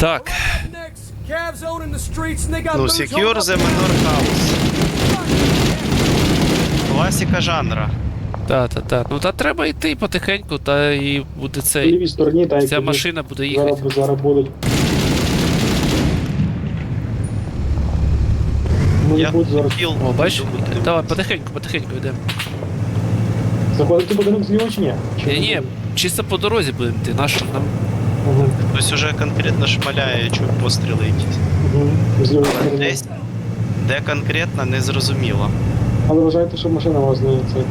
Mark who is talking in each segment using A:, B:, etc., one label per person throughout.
A: Так.
B: Ну, Secure the Manor House. Класика жанра.
A: Та. Ну та треба йти потихеньку, та і буде
C: В
A: цей.
C: лівій стороні, та
A: Ця машина буде їхати.
C: зараз будуть. Може
B: Я
C: бути зараз.
B: кіл.
A: О, бачиш? Давай, потихеньку йдемо.
C: Заходити будинок зліва чи ні?
A: Ні, чисто по дорозі будемо йти, нащо нам?
C: Ага.
B: Хтось уже конкретно шмаляє, чую постріли якісь.
C: Зліва
B: Але
C: сторони.
B: десь, де конкретно, не зрозуміло.
C: Але вважайте, що машина вас не це.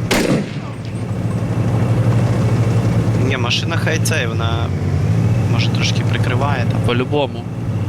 B: Ні, машина хай цей, вона може трошки прикриває там.
A: По-любому.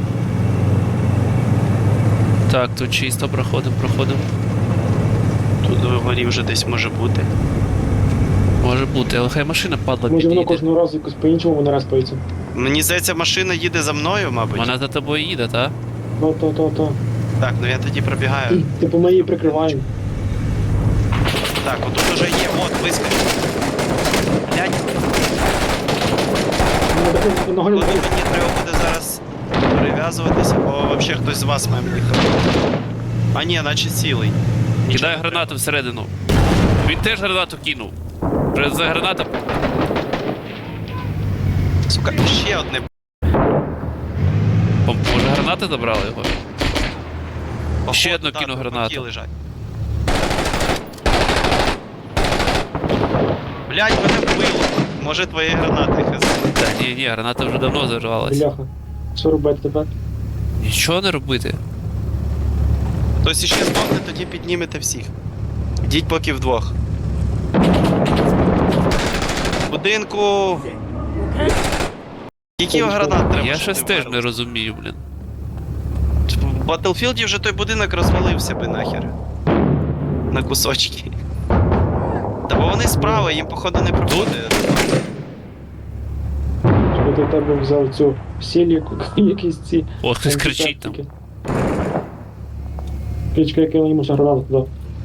A: Так, тут чисто проходимо.
B: Тут вгорі вже десь може бути.
A: Може бути, але хай машина падла
C: Може воно
A: під'їде.
C: кожного разу якось по-іншому вона розпається.
B: Мені здається, машина їде за мною, мабуть.
A: Вона за тобою їде, та?
C: То.
B: Так, ну я тоді пробігаю.
C: Типу ми її прикриваємо.
B: Так, отут уже є, от, вискочив. Блядь,
C: Одного
B: коли мені треба буде зараз перев'язуватися, бо взагалі хтось з вас має їхати. А ні, наче цілий. Нічого
A: Кидає
B: не
A: гранату всередину. Він теж гранату кинув. Вже за граната.
B: треба. Сука, ще одне.
A: Може гранати забрали його?
B: Походу,
A: Ще одну
B: да,
A: кину
B: тут
A: гранату.
B: баки лежать. Блядь, мене вбило. Може твої гранати хз.
A: Та ні, граната вже давно зарвалась.
C: Бляха. Що робити тепер?
A: Нічого не робити.
B: Хтось іще здохне, тоді піднімете всіх. Йдіть поки вдвох. Будинку. Скільки гранат треба?
A: Я
B: щоб
A: щось
B: ти
A: теж
B: вмерли?
A: не розумію, блін.
B: В Battlefield вже той будинок розвалився би нахер. На кусочки. Та бо вони справа, їм походу не проходить.
C: Щоб ти в тебе взяв цю сіль, якісь ці.
A: О, хтось кричить там.
C: антисептики. Пічка, яка йому ще гранату туди.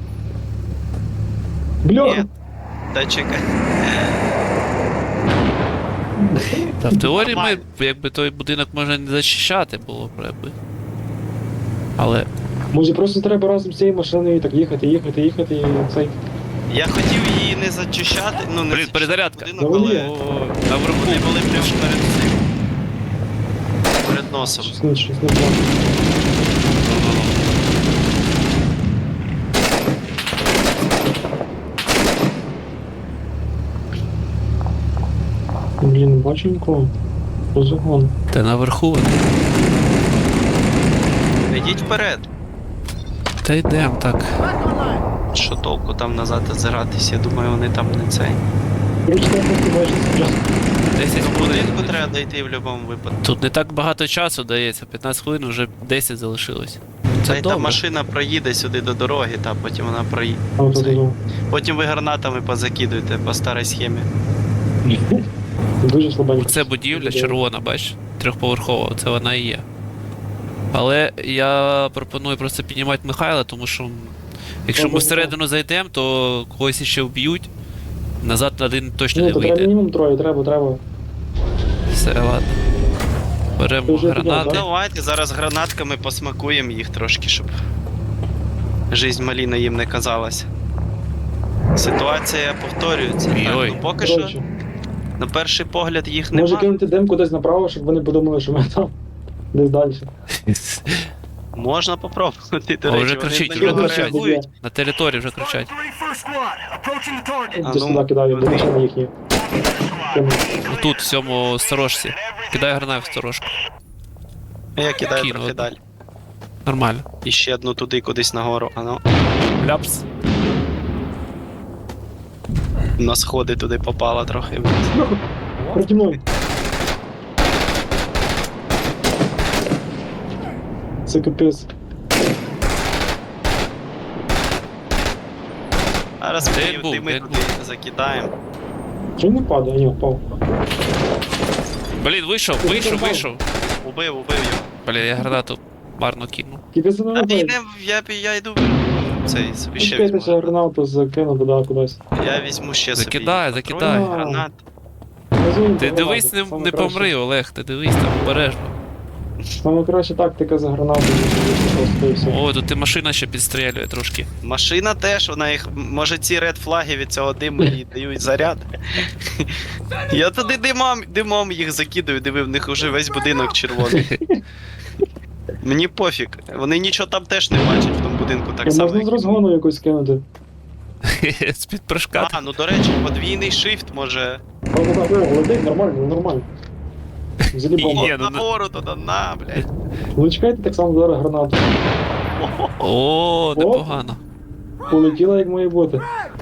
C: Бляха!
B: Ні. Та чекай.
A: Та в теорії ми, якби той будинок можна не зачищати було б, якби. Але
C: Може просто треба разом з цією машиною так їхати і цей.
B: Я хотів її не зачищати, ну не
A: Блін,
B: зачищати
A: перезарядка.
B: будинок, але
A: наверху.
B: вони були прямо перед цим. Перед носом.
C: Щось не знаю. Блін, не бачу нікого. Розгон.
A: Та наверху вони.
B: Йдіть вперед.
A: Та йдемо так.
B: Що толку там назад озиратись, я думаю, вони там не цей.
C: Короче, я просто майже зараз.
A: 10
B: До
A: хвилин.
B: будинку треба дійти в будь-якому випадку.
A: Тут не так багато часу дається, 15 хвилин вже 10 залишилось.
B: Та
A: Це
B: й та
A: добре.
B: машина проїде сюди до дороги, та потім вона проїде. Потім ви гранатами позакидуєте по старій схемі.
C: Дуже слабенько.
A: Це будівля червона, бач, трьохповерхова, це вона і є. Але я пропоную просто піднімати Михайла, тому що якщо ми всередину зайдемо, то когось ще вб'ють. Назад один точно
C: Ну,
A: не
C: то треба
A: вийде.
C: мінімум троє, треба.
A: Все, ладно.
C: Ти
A: Беремо
C: вже
A: гранати.
C: підняв,
B: Давайте зараз гранатками посмакуємо їх трошки, щоб жизнь маліна їм не казалась. Ситуація повторюється. Так,
A: Ой.
B: ну поки що,
C: Коротше,
B: на перший погляд їх
C: може
B: нема.
C: кинути дим кудись направо, щоб вони подумали, що ми там десь далі.
B: Можна попробувати, до
A: О,
B: речі,
A: вже
B: вони
A: кричить,
B: на
A: вже
B: нього
A: кричать.
B: реагують.
A: На території вже кричать.
B: А
C: Десь
B: ну,
C: туди кидаю, до машини їхні.
A: Тут, в цьому сторожці. Кидай гранат в сторожку.
B: Я кидаю
A: Кину
B: трохи
A: одну.
B: далі.
A: Нормально.
B: І ще одну туди, кудись нагору. А ну,
A: Ляпс.
B: на сходи туди попала трохи.
C: Проти мною. Це капець.
B: Зараз
A: Де
B: ми
A: був,
B: дими
A: де
B: туди закидаємо.
C: Чому не падає? Ні, впав.
A: Блін, вийшов.
B: Убив його.
A: Блін, я гранату марно кинув.
C: Кидай за
B: Та
C: нами.
B: йдем, я йду. Цей собі ще
C: Чекайте, ще
B: візьму.
C: гранату закину туди кудись.
B: Я візьму ще собі.
A: Закидай.
B: патронів, гранат.
A: Ти дивись, не помри, Олег, ти дивись там обережно.
C: Саме краща тактика за гранату, просто і все.
A: О, тут і машина ще підстрілює трошки.
B: Машина теж, вона їх. Може ці ред флаги від цього диму їй дають заряд. Я туди димом їх закидаю, диви, в них уже весь будинок червоний. Мені пофіг. Вони нічого там теж не бачать в тому будинку так само.
C: Можна з
B: як і ми.
C: розгону якось кинути.
A: З-під прыжка.
B: А, ну до речі, подвійний шифт може.
C: Летить, нормально, нормально. Взагалі бомба.
A: Ні,
B: О,
A: ну,
B: нагору туди, на, блядь.
C: Ну чекайте так само зараз гранату.
A: О, непогано.
C: Полетіла як має бути.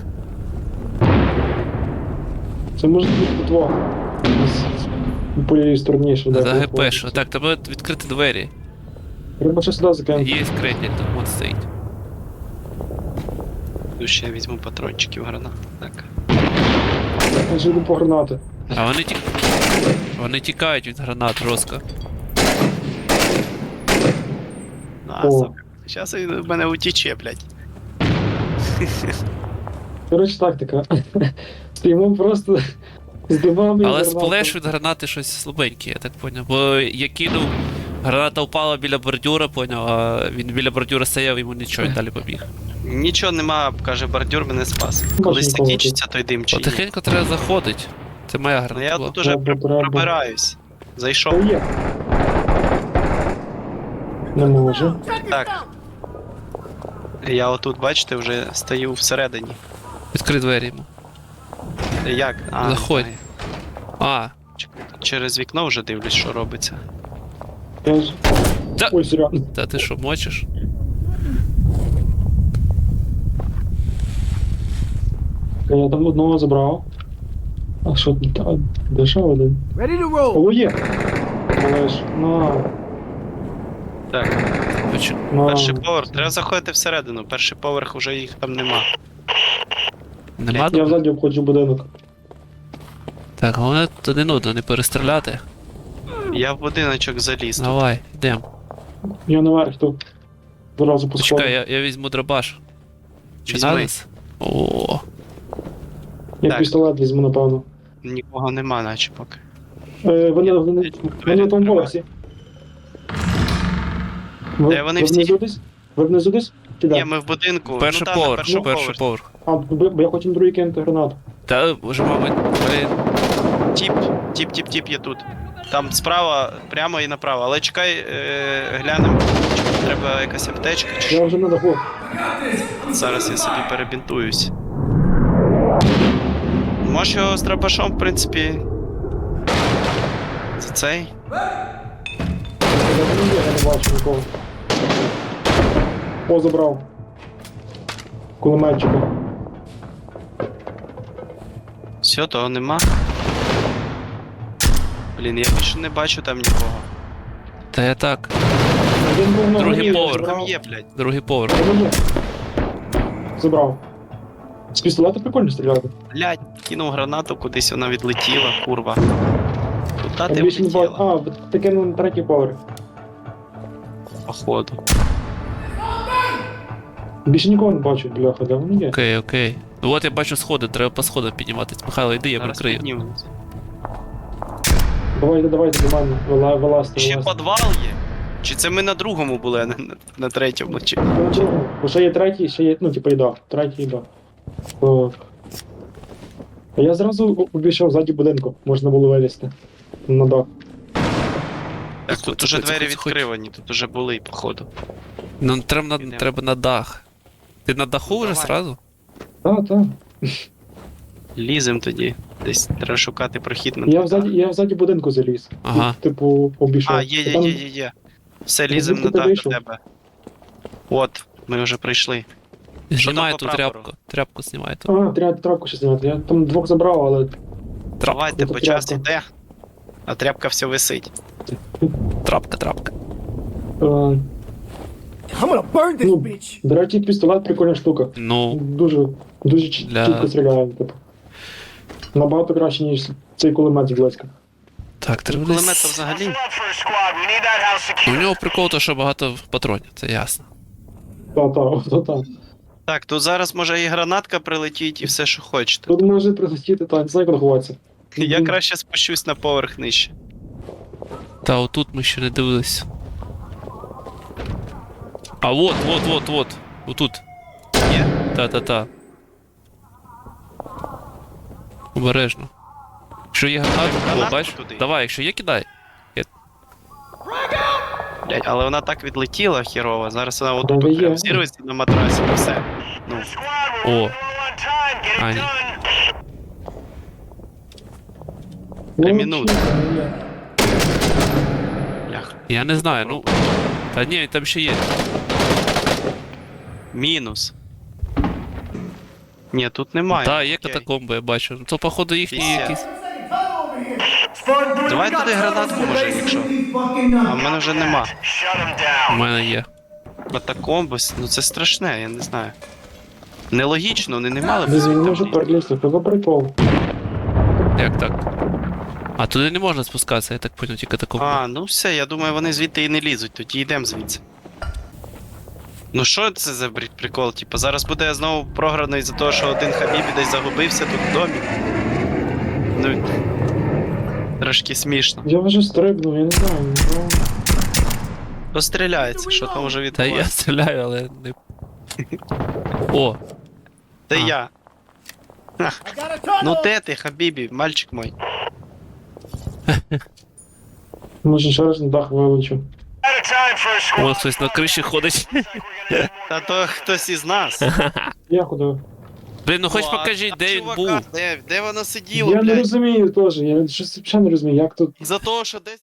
C: Це може бути потвор. По лівій стороні, що
A: За
C: де.
A: ГП. Так, треба відкрити двері.
C: Треба ще сюди закинути.
A: Є крейтль, там вон стоїть.
B: Тут ще я візьму патрончиків гранат. Так.
C: Я ж йду по гранати.
A: А вони тікають від гранат жорстко.
B: На,
C: О.
B: сука. Зараз він в мене утіче, блядь.
C: Коротше, тактика. Стоїмо просто з димами і
A: Але
C: гранатами.
A: сплеш від гранати щось слабеньке, я так поняв. Бо я кинув, граната впала біля бордюра, поняв, а він біля бордюра стояв, йому нічого, він далі побіг.
B: Нічого нема, каже, бордюр мене спас.
C: Бачу,
B: Колись
C: ніколи
B: закінчиться той дим чи ні.
A: Потихеньку треба заходити. Це моя
B: Ну
A: граната
B: я
A: була.
B: тут уже
C: Треба.
B: пробираюсь. Зайшов.
C: Та є. Не може.
B: Так. Я отут, бачите, вже стою всередині.
A: Відкрий двері йому.
B: Як? А,
A: Заходь.
B: знаю.
A: А,
B: Чекай, тут через вікно вже дивлюсь, що робиться.
C: Я ж...
A: Та-
C: Ой, серйозно.
A: та ти що, мочиш?
C: Я там одного забрав. А що тут? А, де ще один?
D: Ready to roll.
C: О, є! Але ж, на,
B: Так,
C: на.
B: перший поверх. Треба заходити всередину. Перший поверх уже їх там нема.
A: Нема?
C: Я взаді обходжу будинок.
A: Так, головне туди нудно, не перестріляти.
B: Я в будиночок заліз. тут.
A: Давай, йдем.
C: Я наверх тут. Зразу по
A: Почекай,
C: сходу.
A: я візьму дробаш. Чи
B: Візьми.
A: надо? О,
C: Я
B: Так.
C: пістолет візьму, напевно.
B: Нікого нема, наче поки.
C: Вони на тому поверсі.
B: Де вони всі?
C: внизу десь? Ви внизу десь? Чи
B: Ні,
C: де?
B: ми в будинку.
A: перший
B: ну, там, на
A: поверх,
B: першому
A: перший
B: поверсі.
A: поверх.
C: А, бо я хочу на другий кинути гранату.
A: Та вже, мабуть, блін.
B: Тіп є тут. Там справа, прямо і направо. Але чекай, глянемо. Чи треба якась аптечка, чи що.
C: Я вже на даху.
B: Зараз я собі перебінтуюсь. Можеш його з драбашом, в принципі. За цей.
C: Я не бачу нікого. О, забрав. Кулеметчика.
B: Все, того нема. Блін, я більше не бачу там нікого.
A: Та я так,
C: Один був на
A: Другий
C: горі,
A: поверх.
B: Там
C: забрав.
B: є, блядь.
A: другий поверх.
C: Один є. Забрав. З пістолета прикольно стріляти.
B: Блядь, кинув гранату, кудись вона відлетіла, курва. Куда
C: Я
B: ти
C: більше не бачу.
B: влетіла?
C: А, таке на третій поверх.
B: Походу.
C: Більше нікого не бачу, бляха, де вони є?
A: Окей, окей. Ну от я бачу сходи, треба по сходах підніматись. Михайло, йди, я
B: Зараз
A: прикрию.
B: піднімемось.
C: Давайте до мене, вилазьте.
B: Ще
C: вилазьте.
B: підвал є? Чи це ми на другому були, а не на третьому? Чи...
C: Ну, чого? Бо ще є третій, ще є, ну, типу, їда. Третій їда. Так. А я зразу обійшов ззаді будинку, можна було вилізти. На дах.
B: Так, тут уже
A: Заходь,
B: двері
A: заходь.
B: відкривані, тут уже були, походу.
A: Ну, треба
B: Ідемо.
A: треба на дах. Ти на даху вже
B: Давай.
A: сразу?
C: Так.
B: Лізем тоді. Десь треба шукати прохід на
C: Я взаді будинку заліз.
A: Ага.
C: Типу, обійшов.
B: А, є.
C: Там-
B: Все, лізем на
C: звідки ти
B: дах до
C: вийшов?
B: тебе. От, ми вже прийшли.
A: Знімай
B: там по
A: ту
B: прапору?
A: тряпку. Тряпку знімай ту.
C: А, треба трапку ще зняти. Я там двох забрав, але
B: Давайте,
C: Це
B: по час
C: тряпка.
B: іде, а тряпка все висить.
A: Трапка.
C: е,
D: I'm gonna burn this
C: Ну.
D: bitch.
C: до речі, пістолет прикольна штука.
A: Ну,
C: Дуже
A: Для-
C: чітко стріляє, типу. Набагато краще, ніж цей кулемет з близька.
A: так, треба
B: Кулемет то
A: десь...
B: взагалі.
A: Ну, у нього прикол, то що багато патронів, це ясно.
C: Та.
B: Так, тут зараз може і гранатка прилетіть, і все, що хочете.
C: Тут може прилетіти, так, не знаю, куди ховатися.
B: Я краще спущусь на поверх нижче.
A: Та отут ми ще не дивились. А вот. Отут.
B: Є?
A: Та. Обережно. Якщо є гранат,
B: Гранату
A: о, бач?
B: туди.
A: Давай, якщо є, кидай.
B: Блядь, але вона так відлетіла хірово, зараз вона
C: Да,
B: отут
C: ви є.
B: прям зірветься на матрасі, і все. Ну,
A: О. А, ні.
B: Минут. бляха.
A: Я не знаю, ну. Та ні, там ще є.
B: Мінус. Ні, тут немає.
A: Та, є
B: Окей.
A: катакомби, я бачу. Ну то походу їхні
B: Пісня.
A: якісь.
B: Давай туди гранатку, може, якщо. А в мене вже нема.
A: У мене є.
B: Катакомби, ну це страшне, я не знаю. Нелогічно, вони не мали б
C: Він
B: звідти
C: не може
B: влізти.
C: перелізти, це прикол.
A: Як так? А туди не можна спускатися, я так поняв, ті катакомби.
B: А, ну все, я думаю, вони звідти і не лізуть, тоді йдемо звідси. Ну що це за прикол? Типа зараз буде знову програно із-за того, що один Хабібі десь загубився тут в домі. Ну, трошки смішно.
C: Я вже стрибнув, я не знаю. Ну,
B: Постріляється, що там вже
A: Та я
B: відбувається.
A: стріляю, але не. О,
B: Це
A: А.
B: я.
D: I got a tunnel.
B: Ну де ти, Хабібі, мальчик мой?
C: може ще раз на дах вилучу.
A: вон хтось на криші ходить.
B: Та то хтось із нас.
C: Я ходив.
A: Блін, ну хоч
B: Ну, а-
A: покажіть,
B: а
A: де він
B: чувака,
A: був.
B: Де воно сиділо,
C: Я не
B: блядь?
C: розумію теж, я щось взагалі не розумію, як тут.
B: За того, що десь